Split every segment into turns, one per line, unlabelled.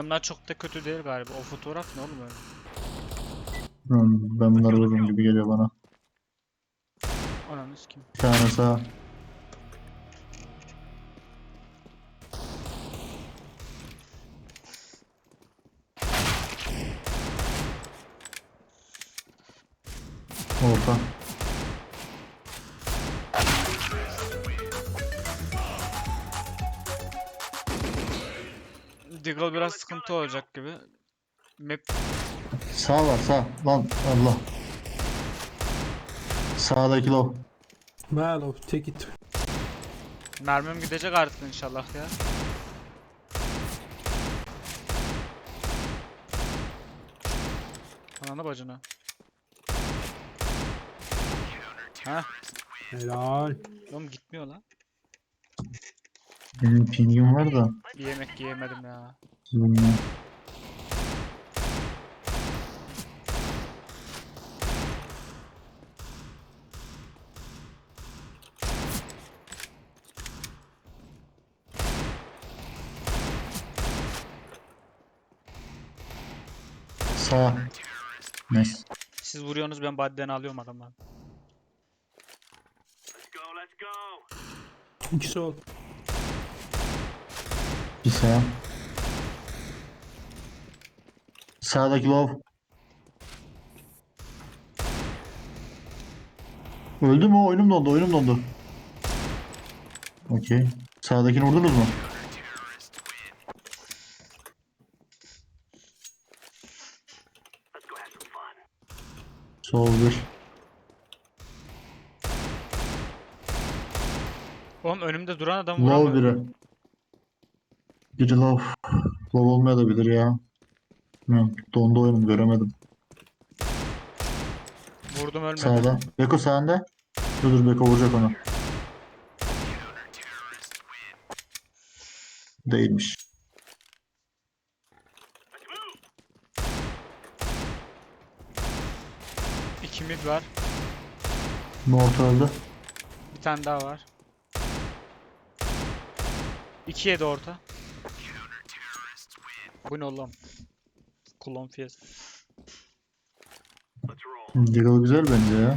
Bunlar çok da kötü değil galiba. O fotoğraf ne oğlum öyle?
Ben bunları vururum gibi geliyor bana.
Ananı sikeyim.
Bir tane sağ. Orta.
Deagle biraz sıkıntı olacak gibi. Map
Sağ var sağ. Lan Allah. Sağdaki low.
Well, take it.
mermim gidecek artık inşallah ya. Ananı bacını. Ha,
Helal.
oğlum gitmiyor lan.
Benim pingim var da.
Bir yemek yiyemedim ya.
Bilmiyorum. Sağ. Nice.
Siz vuruyorsunuz, ben body'den alıyorum adamdan.
İki sol.
Bir sağ. Sağdaki low. Öldü mü? Oyunum dondu. Oyunum dondu. Okey. Sağdakini vurdunuz mu? Sol bir.
Oğlum önümde duran adam
Low
vuramıyor.
biri. Biri low. Low olmayabilir ya. Bilmiyorum. Dondu oyunum göremedim.
Vurdum, ölmedi.
Sağda. Beko sağında. Dur Beko vuracak onu. Değilmiş.
İki mid var.
Mort öldü.
Bir tane daha var. 2'ye de orta. Bu ne oğlum? Kulon fiyat.
Deagle güzel bence ya.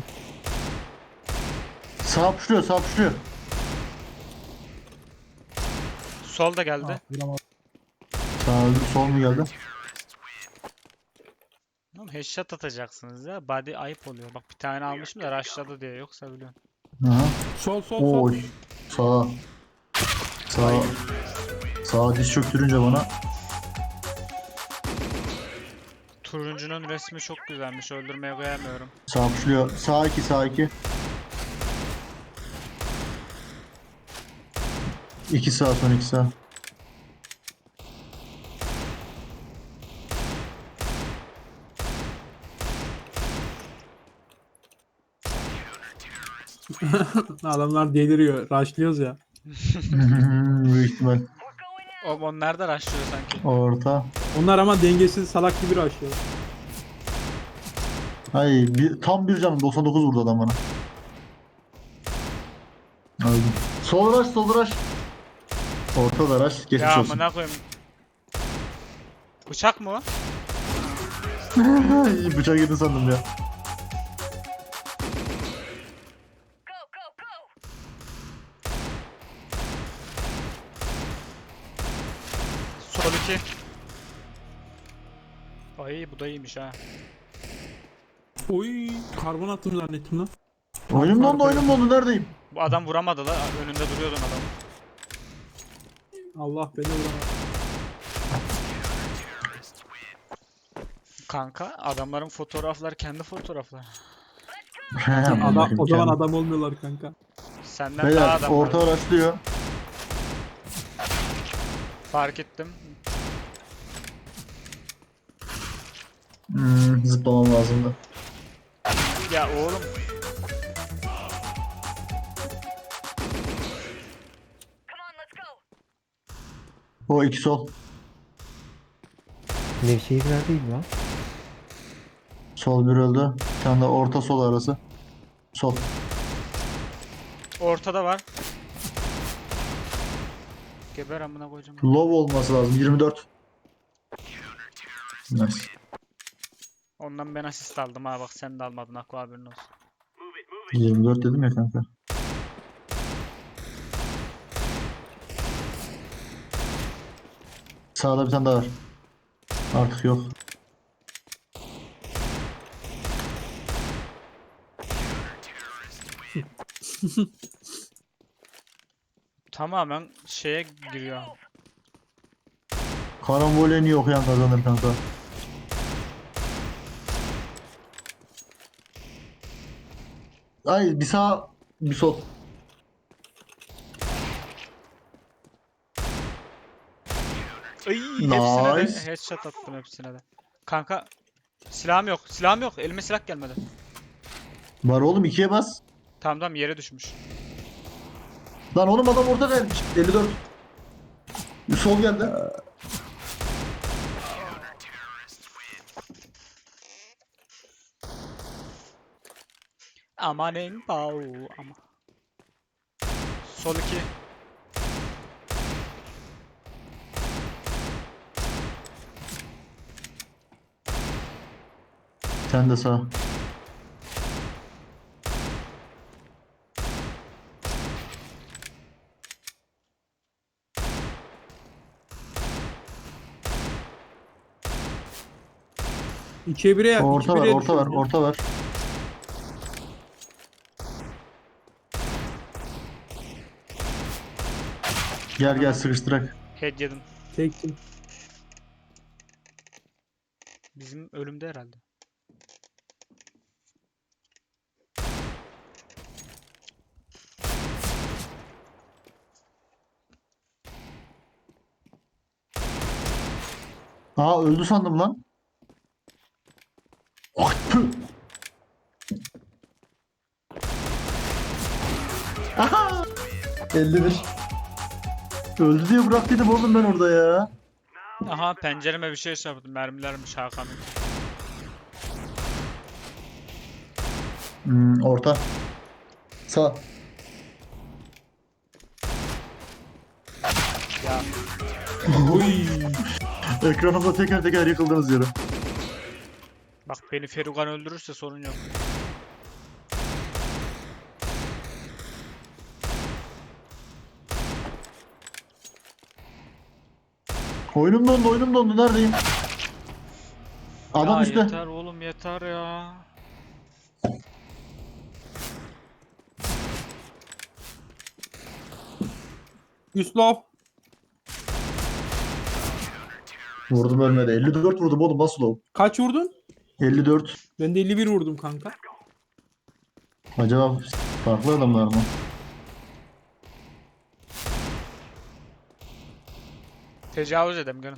Sağ puşluyor sağ puşluyor.
Sol da geldi.
Vuramadım.
Sağ öldü sol mu geldi?
Oğlum headshot atacaksınız ya. Body ayıp oluyor. Bak bir tane almışım da rushladı diye. Yoksa biliyorum.
Aha.
Sol sol sol.
Oy. Sağ. Sağ. Sağ diz çöktürünce bana.
Turuncunun resmi çok güzelmiş. Öldürmeye koyamıyorum.
Sağ puşluyor. Sağ 2 sağ 2. 2 sağ son 2 sağ.
Adamlar deliriyor. Rushlıyoruz ya.
Büyük ihtimal.
Oğlum onlar da rushlıyor sanki.
Orta.
Onlar ama dengesiz salak gibi rushlıyor.
Ay tam bir canım 99 vurdu adam bana. Öldüm. Sol rush sol rush. Orta da rush. Geçmiş
Ya
olsun.
amına koyayım. Bıçak mı o?
Bıçağa girdi sandım ya.
Sol 2. Ay bu da iyiymiş ha.
Oy, karbon attım zannettim lan.
Oyunum dondu oyunum dondu neredeyim?
Bu adam vuramadı la. Önünde duruyordun adam.
Allah beni vuramadı.
Kanka adamların fotoğrafları kendi fotoğrafları.
Adam, o zaman adam olmuyorlar kanka.
Senden daha
Beyler
adam
orta
var.
rushlıyor.
Fark ettim.
Zıplamam lazımdı.
Ya oğlum.
O 2 sol.
Nevşehir neredeyim lan?
Sol bir öldü. Bir tane de orta sol arası. Sol.
Ortada var. Geber amına koyacağım.
Low olması lazım 24. Nice.
Ondan ben asist aldım ha, bak sen de almadın, Aqua, haberin olsun.
24 dedim ya kanka. Sağda bir tane daha var. Artık yok.
Tamamen şeye giriyor.
Karambol en iyi okuyan kazanır kanka. Ay bir sağ bir sol.
Ay, hepsine de
Nice.
headshot attım, hepsine de. Kanka silahım yok. Silahım yok. Elime silah gelmedi.
Var oğlum, ikiye bas.
Tamam tamam, yere düşmüş.
Lan oğlum adam orada vermiş. 54. Bir sol geldi.
Aman en pau ama. Sol 2.
Sen de sağ.
İkiye bire yap.
Orta var, orta var, orta var. Gel gel sıkıştırak.
Head yedim.
Çektim.
Bizim ölümde herhalde.
Aa öldü sandım lan. Ah, tüh. Aha! 51. Öldü diye bıraktıydım oğlum ben orada ya.
Aha, pencereme bir şey çarptı. Mermilermiş Hakan'ın.
Orta. Sağ.
Ya
Oy.
Ekranımda teker teker yıkıldınız yere.
bak, beni Ferugan öldürürse sorun yok.
Oyunum dondu, oyunum dondu. Neredeyim? Adam
Ya
üstte.
yeter oğlum, yeter ya.
Yuslav.
Vurdum ölmedi. 54 vurdum oğlum, nasıl o?
Kaç vurdun?
54.
Ben de 51 vurdum kanka.
Acaba farklı adamlar mı?
Tecavüz edem gelin.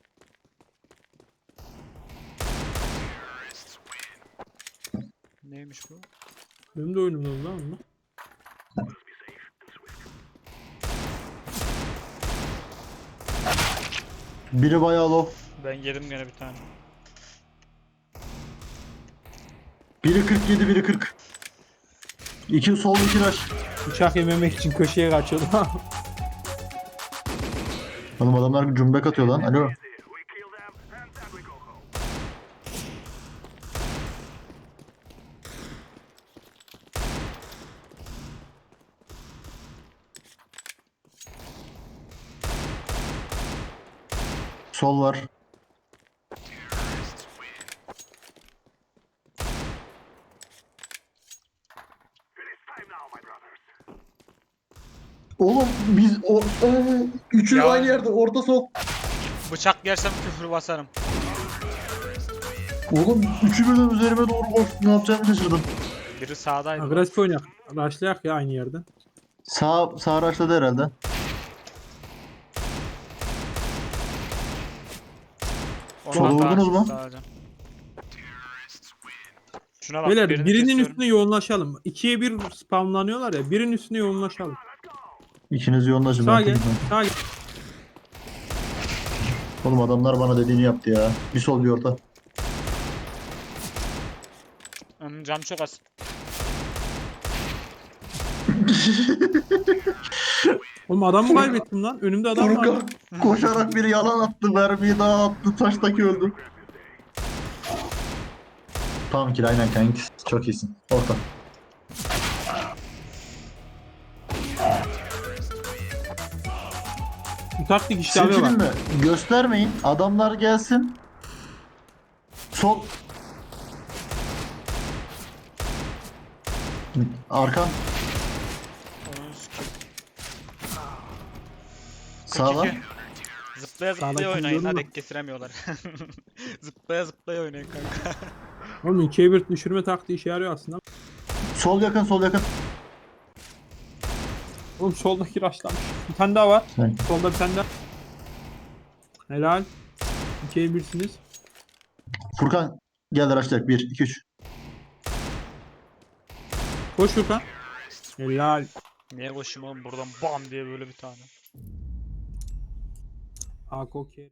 Neymiş bu?
Benim de oyunumda oldu lan onunla.
Biri bayağı low.
Ben yedim gene bir tane.
Biri 47, biri 40. 2 sol, 2 rush.
Bıçak yememek için köşeye kaçıyordu.
Oğlum adamlar cümbek atıyor lan. Alo. Sol var. Oğlum biz o üçü
Ya.
aynı yerde, orta sol.
Bıçak yersem küfür basarım.
Oğlum üçü birden üzerime doğru koş. Ne yapacağımı şaşırdım.
Biri sağdaydı.
Agresif oynayak. Rushlayak ya aynı yerden.
Sağ rushladı herhalde.
Ondan
Sola
daha
vurdunuz mu?
açık sağlayacağım. Şuna bak,
Beyler
birini
birinin
kesiyorum.
üstüne yoğunlaşalım. 2'ye 1 spamlanıyorlar ya. Birinin üstüne yoğunlaşalım.
İkiniz yoğunlaşın.
Sağa
ben
gel.
tekrar.
Sağa gel.
Oğlum adamlar bana dediğini yaptı ya. Bir sol bir orta.
Canım çok az.
Oğlum adam mı kaybettim lan? Önümde adam var.
Furkan koşarak biri yalan attı. Mermiyi daha attı. Taştaki öldü. Tamam ki aynen kanka. Çok iyisin. Orta.
Bu taktik işte abi
Silkelim
bak.
mi? Göstermeyin. Adamlar gelsin. Sol. Arkan.
Onun sikeyim.
Sağdan.
42. Zıplaya zıplaya
Sağdaki
oynayın.
biliyorum
Hadi
da.
ek kestiremiyorlar. Zıplaya zıplaya oynayın kanka.
Oğlum 2'ye 1 düşürme taktiği işe yarıyor aslında.
Sol yakın, sol yakın.
Oğlum soldaki raşlamış. Bir tane daha var.
Sen.
Solda bir tane daha. Helal. 2'ye 1'siniz.
Furkan gel araçlar. 1, 2, 3.
Koş Furkan. Helal.
Niye koşayım oğlum buradan bam diye böyle bir tane.
Ak okey.